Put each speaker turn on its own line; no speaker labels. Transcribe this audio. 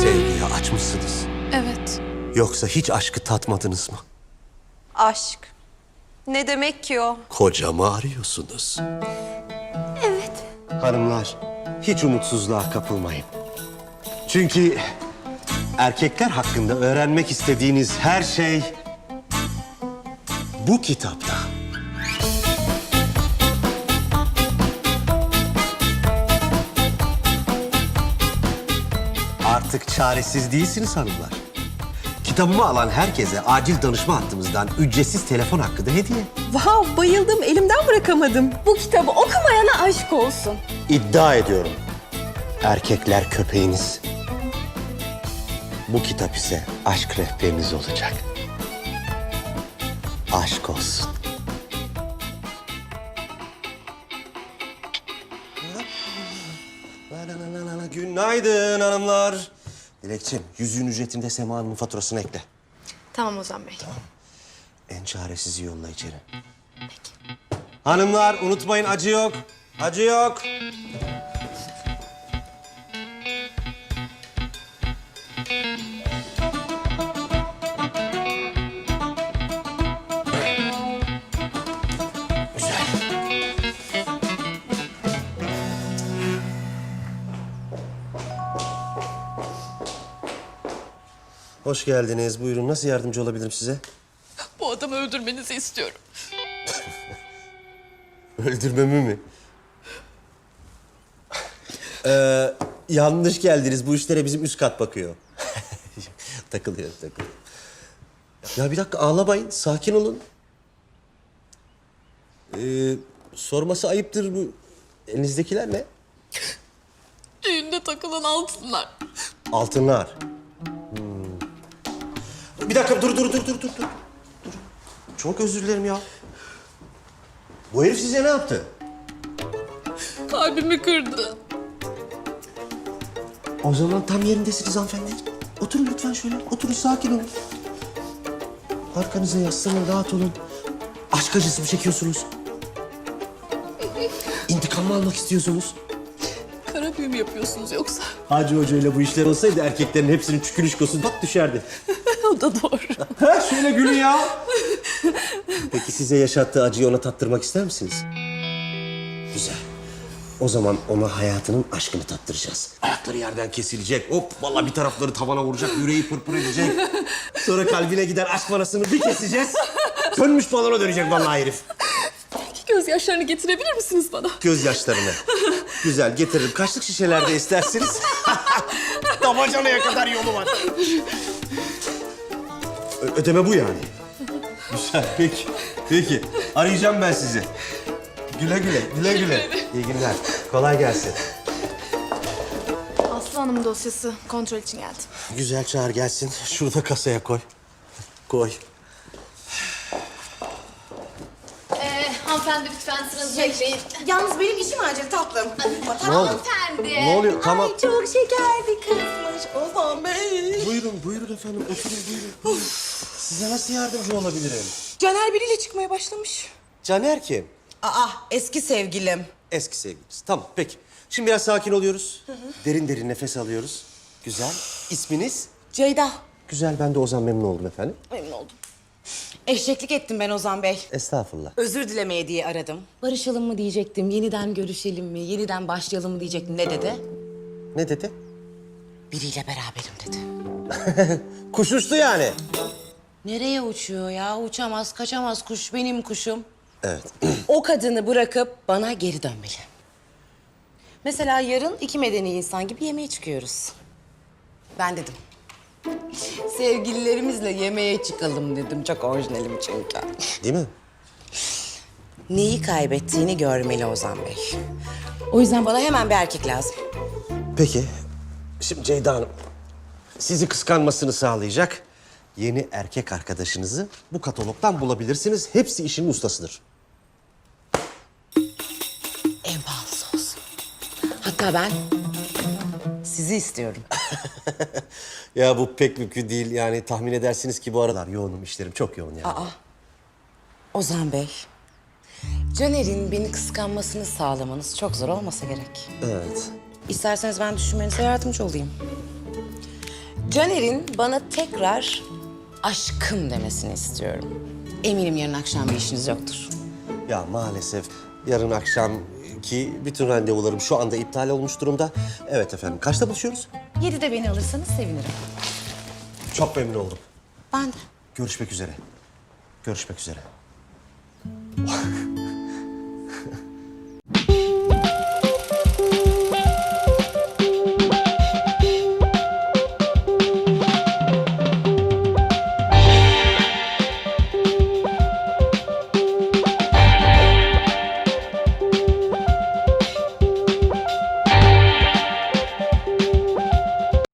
Sevgiye açmışsınız.
Evet.
Yoksa hiç aşkı tatmadınız mı?
Aşk. Ne demek ki o?
Kocamı arıyorsunuz.
Evet.
Hanımlar, hiç umutsuzluğa kapılmayın. Çünkü erkekler hakkında öğrenmek istediğiniz her şey bu kitapta. Artık çaresiz değilsiniz hanımlar. Kitabımı alan herkese acil danışma hattımızdan ücretsiz telefon hakkı da hediye.
Vav, bayıldım. Elimden bırakamadım. Bu kitabı okumayana aşk olsun.
İddia ediyorum. Erkekler köpeğiniz. Bu kitap ise aşk rehberiniz olacak. Aşk olsun. Günaydın hanımlar. Dilekçim, yüzüğün ücretinde Sema Hanım'ın faturasını ekle.
Tamam Ozan Bey.
En çaresizi yolla içeri. Peki. Hanımlar unutmayın acı yok. Acı yok. Güzel. Hoş geldiniz. Buyurun. Nasıl yardımcı olabilirim size?
Bu adamı öldürmenizi istiyorum.
Öldürmemi mi? Yanlış geldiniz. Bu işlere bizim üst kat bakıyor. Takılıyor. Ya bir dakika ağlamayın. Sakin olun. Sorması ayıptır bu. Elinizdekiler ne?
Düğünde takılan altınlar.
Altınlar. Bir dakika dur. Çok özür dilerim ya. Bu herif size ne yaptı?
Kalbimi kırdı.
O zaman tam yerindesiniz hanımefendi. Oturun lütfen şöyle. Oturun sakin olun. Arkanıza yaslanın, rahat olun. Aşk acısı mı çekiyorsunuz? İntikam mı almak istiyorsunuz?
Kara büyü mü yapıyorsunuz yoksa?
Hacı Hoca ile bu işler olsaydı erkeklerin hepsinin çükülüşkosu bak düşerdi.
O da doğru.
Ha, şöyle gülün ya. Peki size yaşattığı acıyı ona tattırmak ister misiniz? Güzel. O zaman ona hayatının aşkını tattıracağız. Ayakları yerden kesilecek. Hop vallahi bir tarafları tavana vuracak, yüreği pırpır edecek. Sonra kalbine giden aşk parasını bir keseceğiz. Sönmüş balona dönecek vallahi herif.
Gözyaşlarını getirebilir misiniz bana?
Gözyaşlarını. Güzel getiririm. Kaçlık şişelerde isterseniz. Damacanaya kadar yolu var. Ödeme bu yani. Güzel peki. Arayacağım ben sizi. Güle güle. İyi günler. Kolay gelsin.
Aslı Hanım'ın dosyası kontrol için geldi.
Güzel çağır gelsin. Şurada kasaya koy. Koy.
Hanımefendi lütfen sıranızı bekleyin.
Yalnız benim işim acil tatlım.
Ne oldu?
Hanımefendi.
Ne oluyor? Tamam.
Ay çok şeker bir kızmış Ozan Bey.
Buyurun efendim. Oturun buyurun. Size nasıl yardımcı olabilirim?
Caner biriyle çıkmaya başlamış.
Caner kim?
Aa, eski sevgilim.
Eski sevgiliniz. Tamam peki. Şimdi biraz sakin oluyoruz. Derin nefes alıyoruz. Güzel. İsminiz?
Ceyda.
Güzel. Ben de Ozan memnun oldum efendim.
Memnun oldum. Eşeklik ettim ben Ozan Bey.
Estağfurullah.
Özür dilemeye diye aradım. Barışalım mı diyecektim, yeniden görüşelim mi, yeniden başlayalım mı diyecektim. Ne dedi?
Ne dedi?
Biriyle beraberim dedi.
Kuş uçtu yani.
Nereye uçuyor ya? Uçamaz, kaçamaz kuş. Benim kuşum.
Evet.
O kadını bırakıp bana geri dönmeli. Mesela yarın iki medeni insan gibi yemeğe çıkıyoruz. Ben dedim. Sevgililerimizle yemeğe çıkalım dedim. Çok orijinalim çünkü.
Değil mi?
Neyi kaybettiğini görmeli Ozan Bey. O yüzden bana hemen bir erkek lazım.
Peki. Şimdi Ceyda Hanım, sizi kıskanmasını sağlayacak yeni erkek arkadaşınızı bu katalogdan bulabilirsiniz. Hepsi işin ustasıdır.
En pahalısı olsun. Hatta ben sizi istiyorum.
Ya bu pek mümkün değil. Yani tahmin edersiniz ki bu aralar yoğunum, işlerim çok yoğun yani.
Ozan Bey, Caner'in beni kıskanmasını sağlamanız çok zor olmasa gerek.
Evet.
İsterseniz ben düşünmenize yardımcı olayım. Caner'in bana tekrar aşkım demesini istiyorum. Eminim yarın akşam bir işiniz yoktur.
Ya maalesef yarın akşamki bütün randevularım şu anda iptal olmuş durumda. Evet efendim. Kaçta buluşuyoruz?
7'de beni alırsanız sevinirim.
Çok memnun oldum.
Ben de.
Görüşmek üzere. Görüşmek üzere.